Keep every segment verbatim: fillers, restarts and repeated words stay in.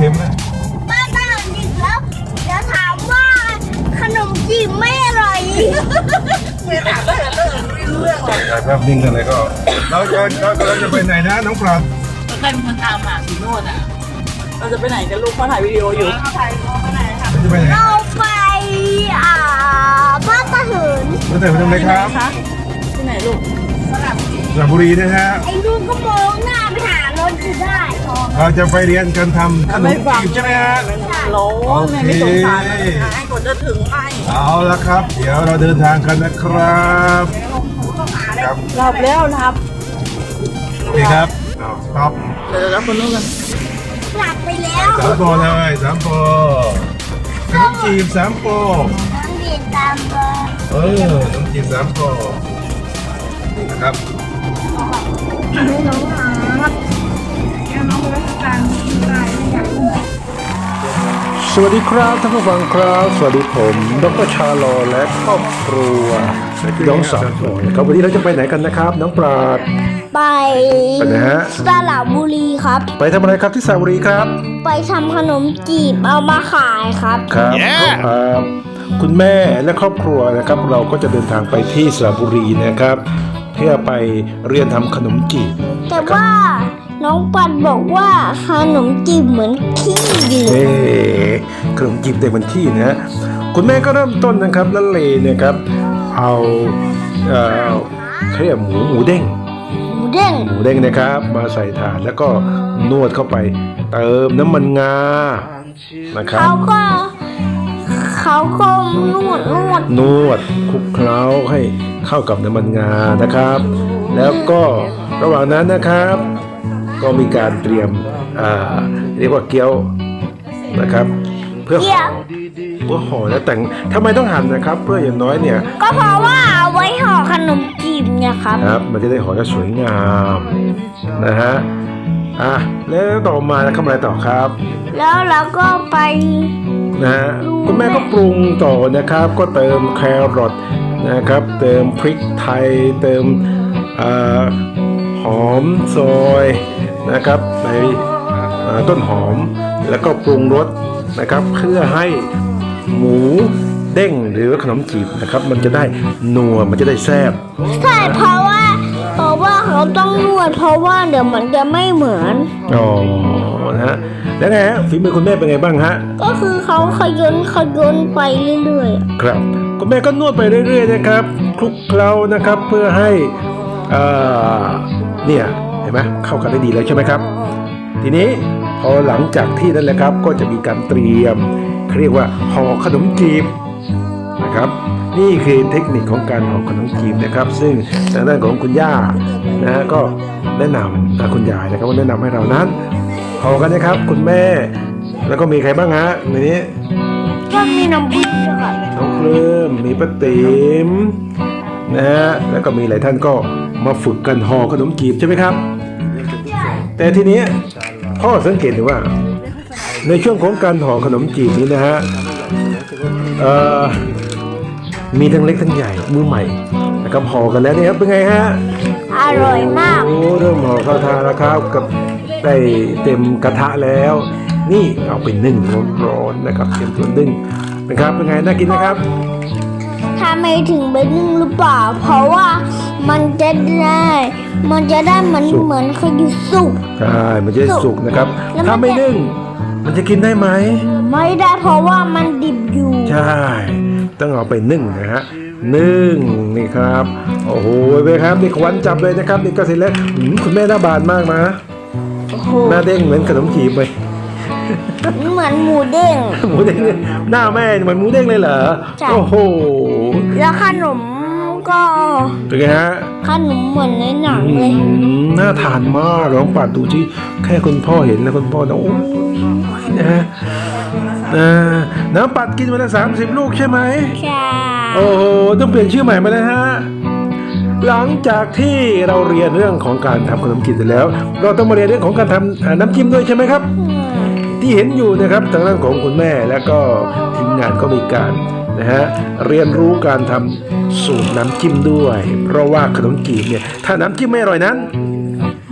ค็มนะป้าตาดิบแล้วเดี๋ยวถามว่าขนมจีบไม่อร่อยไม่ถามได้เรื่องเรื่องหรอกถ่ายภาพนิ่งกันเลยก็เราจะเราจะไปไหนนะน้องปลาใครเป็นคนตามหาสีโนดอ่ะเราจะไปไหนกันลูกเขาถ่ายวิดีโออยู่เขาถ่ายเขาไปไหนค่ะจะไปไหนเราไปอ่าบ้านตาเหินเราจะไปทำอะไรครับที่ไหนลูกสระบุรีสระบุรีนะฮะไอ้ลูกก็มองหน้าไปหารถจะได้เราจะไปเรียนการทำขนมจีบใช่ไหมฮะร้อนแม่ไม่สงสารเลยนะให้คนจะถึงไหมเอาละครับ เดี๋ยวเราเดินทางกันนะครับครับหลับแล้วหลับนี่ครับเอาครับเดี๋ยวรับคนนู้นกันหลับไปแล้วสามโปรเลยสามโปรขนมจีบสามโปรน้องเดียนตามเบอร์เออขนมจีบสามโปรนี่นะครับให้น้องหาครับแค่น้องไปตามตายไม่อยากกินสวัสดีครับท่านผู้ฟังครับสวัสดีผมดรชาโลและครอบครัวน้องสาวครับวันนี้เราจะไปไหนกันนะครับ น้องปราดไปไปไหนฮะสระบุรีครับไปทำอะไรครับที่สระบุรีครับไปทำขนมจีบเอามาขายครับครับครับคุณแม่และครอบครัวนะครับ เราก็จะเดินทางไปที่สระบุรีนะครับ เพื่อไปเรียนทำขนมจีบแต่ว่าน้องปันบอกว่าขนมจีบเหมือนขี้อยู่เอ๊ะขนมจีบเด็กมันที่นะคุณแม่ก็เริ่มต้นนะครับละเลนะครับ เอาเอ่อเขาเรียกหมูหมูเด้งหมูเด้งหมูเด้งนะครับมาใส่ถาดแล้วก็นวดเข้าไปเติมน้ำมันงานะครับเขาก็เขาก็นวดนวดนวดคลุกเคล้าให้เข้ากับน้ำมันงานะครับ แล้วก็ระหว่างนั้นนะครับ ก็มีการเตรียมอ่าเรียกว่าเกี๊ยวนะครับ เพื่อเกี่ยวเพื่อห่อและแต่งทำไมต้องหั่นนะครับ เพื่ออย่างน้อยเนี่ยก็เพราะว่าเอาไว้ห่อขนมจีบเนี่ยครับครับมันจะได้ห่อได้สวยงามนะฮะอ่ะแล้วต่อมาทำอะไรต่อครับแล้วเราก็ไปนะฮะคุณแม่ก็ปรุงต่อนะครับ ก็เติมแครอทนะครับ เติมพริกไทย เติมอ่าหอมซอยนะครับในอ่าต้นหอมแล้วก็ปรุงรสนะครับ เพื่อให้หมูเด้งหรือขนมจีบนะครับ มันจะได้นัวมันจะได้แซ่บใช่เพราะว่าเพราะว่าเขาต้องนวดเพราะว่าเดี๋ยวมันจะไม่เหมือนอ๋อนะฮะแล้วไงฮะฝีมือคุณแม่เป็นไงบ้างฮะก็คือเขาขยนขยนไปเรื่อยครับคุณแม่ก็นวดไปเรื่อยๆนะครับคลุกเคล้านะครับเพื่อให้อ่าเนี่ยเห็นไหมเข้ากันได้ดีเลยใช่ไหมครับ ทีนี้พอหลังจากที่นั่นแหละครับก็จะมีการเตรียมเขาเรียกว่าห่อขนมจีบนะครับ นี่คือเทคนิคของการห่อขนมจีบนะครับ ซึ่งทางด้านของคุณย่านะฮะก็แนะนำนะคุณยายนะครับว่าแนะนำให้เรานั้นห่อกันนะครับคุณแม่แล้วก็มีใครบ้างฮะในนี้ๆก็มีน้ำพริกด้วยครับน้องเคลิมมีป้าติ๋มนะฮะแล้วก็มีหลายท่านก็มาฝึกกันห่อขนมจีบใช่ไหมครับ แต่ทีนี้พ่อสังเกตดูว่า ในช่วงของการห่อขนมจีบนี้นะฮะเอ่อมีทั้งเล็กทั้งใหญ่มือใหม่นะครับห่อกันแล้วเนี่ยครับเป็นไงฮะอร่อยมากโอ้เริ่มห่อเข้าทานแล้วครับกับได้เต็มกระทะแล้ว นี่เอาไปนึ่งร้อนๆนะครับเตรียมตัวนึ่งเป็นครับเป็นไงน่ากินไหมครับถ้าไม่ถึงไปนึ่งหรือเปล่า เพราะว่ามันจะได้ มันจะได้เหมือนสุกเหมือนขยุสุกใช่มันจะได้สุกนะครับแล้วมันถ้าไม่นึ่ง มันจะกินได้ไหมไม่ได้เพราะว่ามันดิบอยู่ใช่ ต้องเอาไปนึ่งนะฮะ นึ่งนี่ครับ โอ้โหเว้ยครับนี่ควันจับเลยนะครับนี่ก็เสร็จแล้วหืมคุณแม่หน้าบานมากนะโอ้โหหน้าเด้งเหมือนขนมจีบเลยเหมือนหมูเด้งหมูเด้งเลยหน้าแม่เหมือนหมูเด้งเลยเหรอใช่โอ้โหแล้วขนมก็เป็นไงฮะขนมเหมือนในหนังอืเลยมน่าทานมากลองปัดดูที่แค่คุณพ่อเห็นนะคุณพ่อนะโอ้ยนะฮะอ่าน้ำปัดกินวันละสามสิบลูกใช่ไหมใช่โอ้โหต้องเปลี่ยนชื่อใหม่มาเลยฮะ หลังจากที่เราเรียนเรื่องของการทำขนมจีบเสร็จแล้ว เราต้องมาเรียนเรื่องของการทำอ่าน้ำจิ้มด้วยใช่ไหมครับอืมที่เห็นอยู่นะครับทางด้านของคุณแม่และก็ทีมงานก็มีการนะฮะเรียนรู้การทำสูตรน้ำจิ้มด้วย เพราะว่าขนมจีบเนี่ยถ้าน้ำจิ้มไม่อร่อยนั้น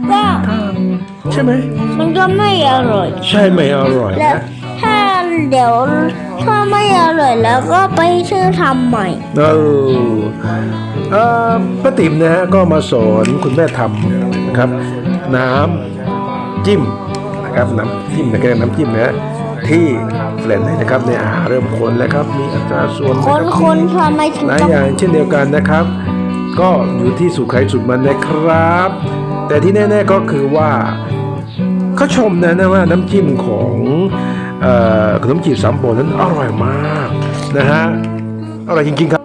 ก็ใช่ไหมมันก็ไม่อร่อยใช่ไหมอร่อยแล้วนะถ้าเดี๋ยวถ้าไม่อร่อยแล้วก็ไปชื่อทำใหม่เออเอ่อป้าติ๋มนะฮะก็มาสอนคุณแม่ทำนะครับ น้ำจิ้มนะครับน้ำจิ้มนะครับน้ำจิ้มนะฮะที่แฟลนให้นะครับในอาหารเริ่มคนแล้วครับมีอัตราส่วนคนนะครับนทำไมถึงหลายต้องอย่างเช่นเดียวกันนะครับ ก็อยู่ที่สูตรใครสูตรมันนะครับ แต่ที่แน่ๆก็คือว่าเขาชมนะนะว่าน้ำจิ้มของเอ่อขนมจีบสามโปนั้นอร่อยมากนะฮะอร่อยจริงๆครับ